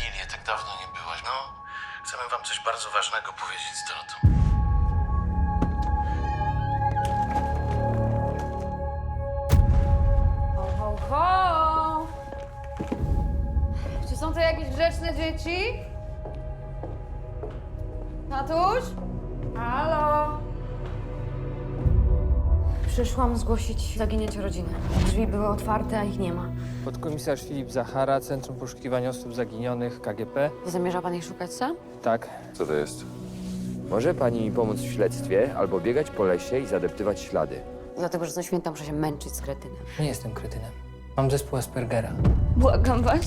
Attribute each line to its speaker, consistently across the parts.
Speaker 1: Lilię, tak dawno nie byłaś. No, chcemy wam coś bardzo ważnego powiedzieć z Dorotą.
Speaker 2: Ho, ho, ho! Czy są to jakieś grzeczne dzieci? Tatuś? Halo? Przyszłam zgłosić zaginięcie rodziny. Drzwi były otwarte, a ich nie ma.
Speaker 3: Podkomisarz Filip Zachara, Centrum Poszukiwania Osób Zaginionych, KGP.
Speaker 2: Zamierza pan ich szukać sam?
Speaker 3: Tak.
Speaker 4: Co to jest? Może pani mi pomóc w śledztwie albo biegać po lesie i zadeptywać ślady.
Speaker 2: Dlatego, że co święta muszę się męczyć z kretynem.
Speaker 3: Nie jestem kretynem. Mam zespół Aspergera.
Speaker 2: Błagam was.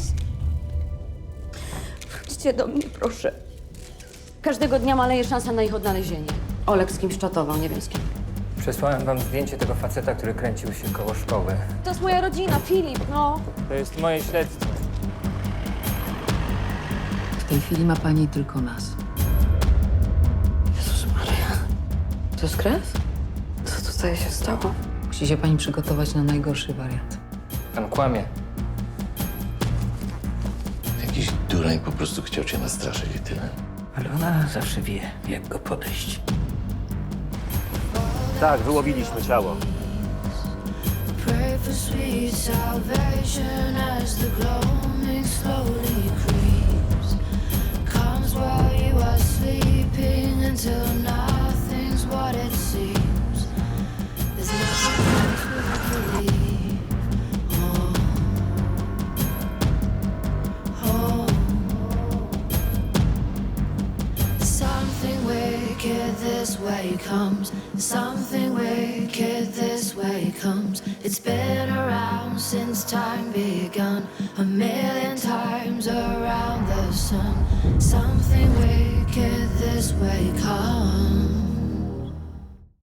Speaker 2: Wróćcie do mnie, proszę. Każdego dnia maleje szansa na ich odnalezienie. Olek z kimś czatował, nie wiem z kim.
Speaker 3: Przesłałem wam zdjęcie tego faceta, który kręcił się koło szkoły.
Speaker 2: To jest moja rodzina, Filip, no.
Speaker 3: To jest moje śledztwo.
Speaker 5: W tej chwili ma pani tylko nas.
Speaker 2: Jezus Maria. To jest kres? Co tutaj się stało?
Speaker 5: Musi się pani przygotować na najgorszy wariant.
Speaker 3: Pan kłamie.
Speaker 1: Jakiś dureń po prostu chciał cię nastraszyć i tyle.
Speaker 6: Ale ona zawsze wie, jak go podejść.
Speaker 4: Tak, wyłowiliśmy ciało.
Speaker 7: Pray for sweet salvation as the gloaming slowly creeps. Comes while you are sleeping until nothing's what it seems. There's nothing to believe. Oh. Something wicked this way comes. Something wicked this way comes. It's been around since time begun, a million times around the sun. Something wicked this way comes.